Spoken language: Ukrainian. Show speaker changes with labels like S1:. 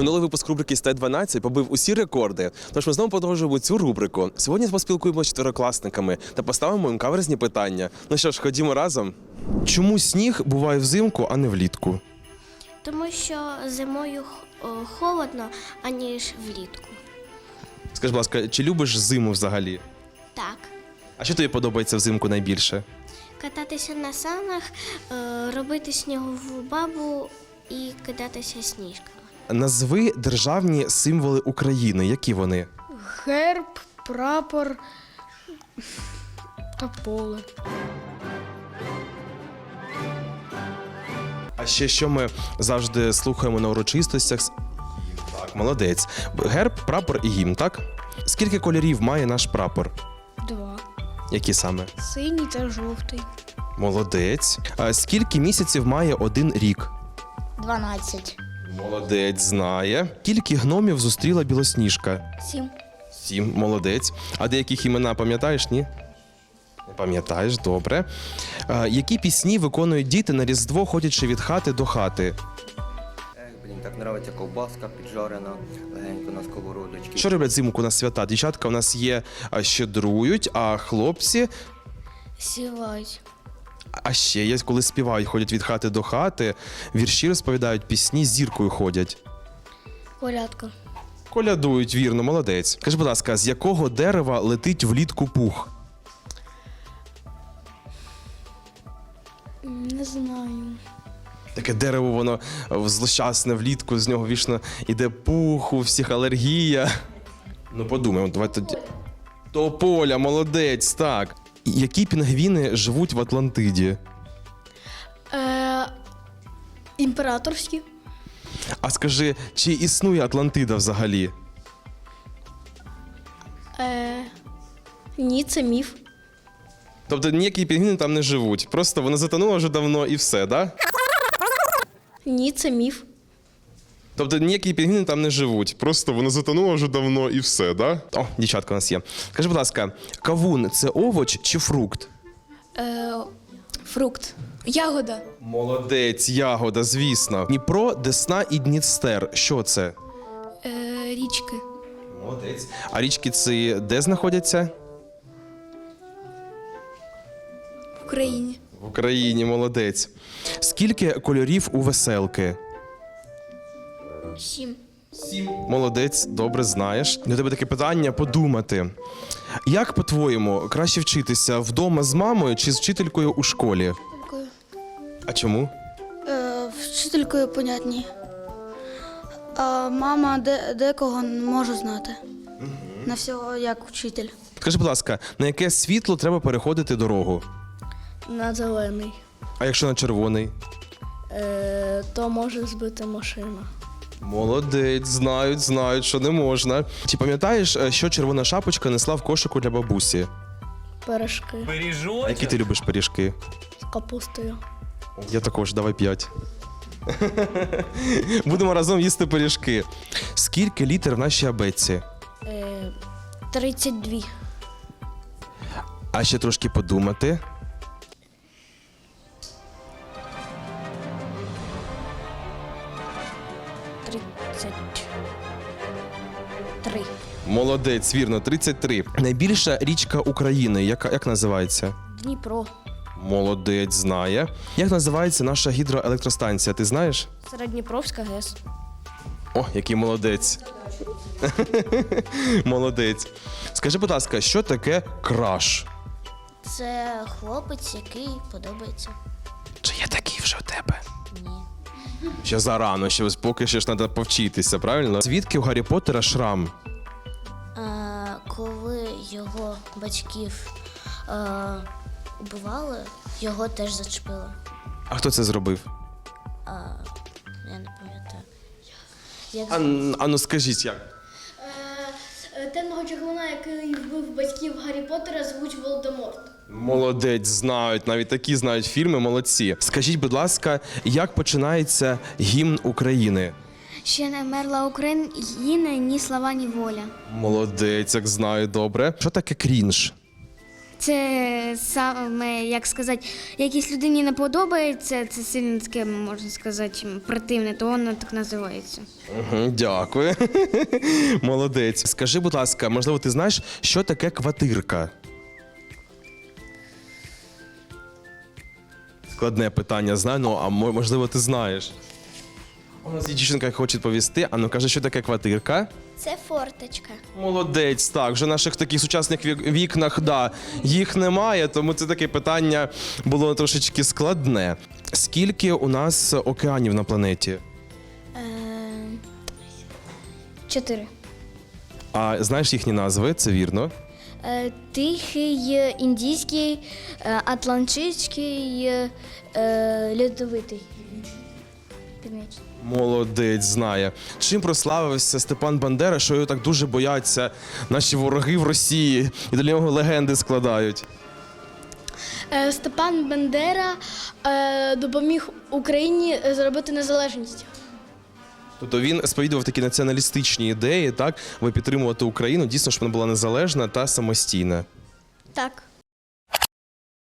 S1: Минулий випуск рубрики «Стай-12» побив усі рекорди. Тож ми знову продовжуємо цю рубрику. Сьогодні поспілкуємося з чотирикласниками та поставимо їм каверзні питання. Ну що ж, ходімо разом. Чому сніг буває взимку, а не влітку?
S2: Тому що зимою холодно, аніж влітку.
S1: Скажи, будь ласка, чи любиш зиму взагалі?
S2: Так.
S1: А що тобі подобається взимку найбільше?
S2: Кататися на санах, робити снігову бабу і кидатися сніжками.
S1: Назви державні символи України. Які вони?
S3: Герб, прапор та поле.
S1: А ще що ми завжди слухаємо на урочистостях? Так, молодець. Герб, прапор і гімн, так? Скільки кольорів має наш прапор?
S3: 2.
S1: Які саме?
S3: Синій та жовтий.
S1: Молодець. А скільки місяців має один рік?
S3: 12.
S1: Молодець, знає. Скільки гномів зустріла Білосніжка?
S3: 7.
S1: 7. Молодець. А деяких імена пам'ятаєш, ні? Не пам'ятаєш, добре. Які пісні виконують діти на Різдво, ходячи від хати до хати?
S4: Блін, так нравиться ковбаска піджарена, легенько на сковородочці.
S1: Що роблять взимку на свята? Дівчатка у нас є щедрують, а хлопці...
S3: Сівають.
S1: А ще є, коли співають, ходять від хати до хати, вірші розповідають, пісні з зіркою ходять.
S3: Колядка.
S1: Колядують, вірно, молодець. Скажи, будь ласка, з якого дерева летить влітку пух?
S3: Не знаю.
S1: Таке дерево, воно злощасне влітку, з нього вічно іде пух, у всіх алергія. Ну, подумаємо, давай тоді. Тополя, молодець, так. Які пінгвіни живуть в Атлантиді?
S3: Імператорські.
S1: А скажи, чи існує Атлантида взагалі?
S3: Ні, це міф.
S1: Тобто ніякі пінгвіни там не живуть, просто вона затонула вже давно і все, да?
S3: Ні, це міф.
S1: Тобто ніякі пінгвіни там не живуть, просто вона затонула вже давно і все, да? О, дівчатка у нас є. Скажи, будь ласка, кавун – це овоч чи фрукт?
S3: Фрукт. Ягода.
S1: Молодець, ягода, звісно. Дніпро, Десна і Дністер. Що це?
S3: Річки.
S1: Молодець. А річки ці де знаходяться?
S3: В Україні.
S1: В Україні, молодець. Скільки кольорів у веселки?
S3: 7.
S1: 7. Молодець, добре знаєш. До тебе таке питання подумати. Як, по-твоєму, краще вчитися вдома з мамою чи з вчителькою у школі? А чому?
S5: Вчителькою понятні. А мама декого не може знати. На всього як вчитель.
S1: Скажи, будь ласка, на яке світло треба переходити дорогу?
S3: На зелений.
S1: А якщо на червоний?
S3: То може збити машина.
S1: Молодець, знають, що не можна. Чи пам'ятаєш, що червона шапочка несла в кошику для бабусі?
S3: Пиріжки.
S1: А які ти любиш пиріжки?
S3: З капустою.
S1: Я також, давай 5. Будемо разом їсти пиріжки. Скільки літер в нашій абетці?
S3: 32.
S1: А ще трошки подумати. Молодець, вірно, 33. Найбільша річка України, як називається?
S3: Дніпро.
S1: Молодець, знає. Як називається наша гідроелектростанція, ти знаєш?
S3: Середньопровська ГЕС.
S1: О, який молодець. Молодець. Скажи, будь ласка, що таке краш?
S2: Це хлопець, який подобається.
S1: Чи є такий вже у тебе?
S2: Ні.
S1: Ще зарано, ще поки ще ж треба повчитися, правильно? Звідки у Гаррі Поттера шрам?
S2: Коли його батьків убивали, його теж зачепили.
S1: А хто це зробив?
S2: Я не пам'ятаю.
S1: Ну скажіть, як?
S3: Темного червона, який вбив батьків Гаррі Поттера, звуть Волдеморт.
S1: Молодець, знають, навіть такі знають фільми, молодці. Скажіть, будь ласка, як починається гімн України?
S2: Ще не вмерла Україна, ні слава, ні воля.
S1: Молодець, як знаю, добре. Що таке крінж?
S6: Це саме, як сказати, якійсь людині не подобається, це сильно таке, можна сказати, противне, то воно так називається.
S1: Дякую. Молодець. Скажи, будь ласка, можливо, ти знаєш, що таке квартирка? Складне питання, знаю, ну, а можливо, ти знаєш. У нас є дівчинка, яка хоче відповісти. А ну, каже, що таке квартирка?
S2: Це форточка.
S1: Молодець, так. Вже в наших таких сучасних вікнах, да, їх немає, тому це таке питання було трошечки складне. Скільки у нас океанів на планеті?
S6: 4.
S1: А знаєш їхні назви? Це вірно.
S6: Тихий, індійський, атлантичний, льодовитий. Північний.
S1: Молодець, знає. Чим прославився Степан Бандера, що його так дуже бояться наші вороги в Росії і для нього легенди складають?
S3: Степан Бандера допоміг Україні зробити незалежність.
S1: Тобто він сповідував такі націоналістичні ідеї, так, аби підтримувати Україну, дійсно, щоб вона була незалежна та самостійна.
S3: Так.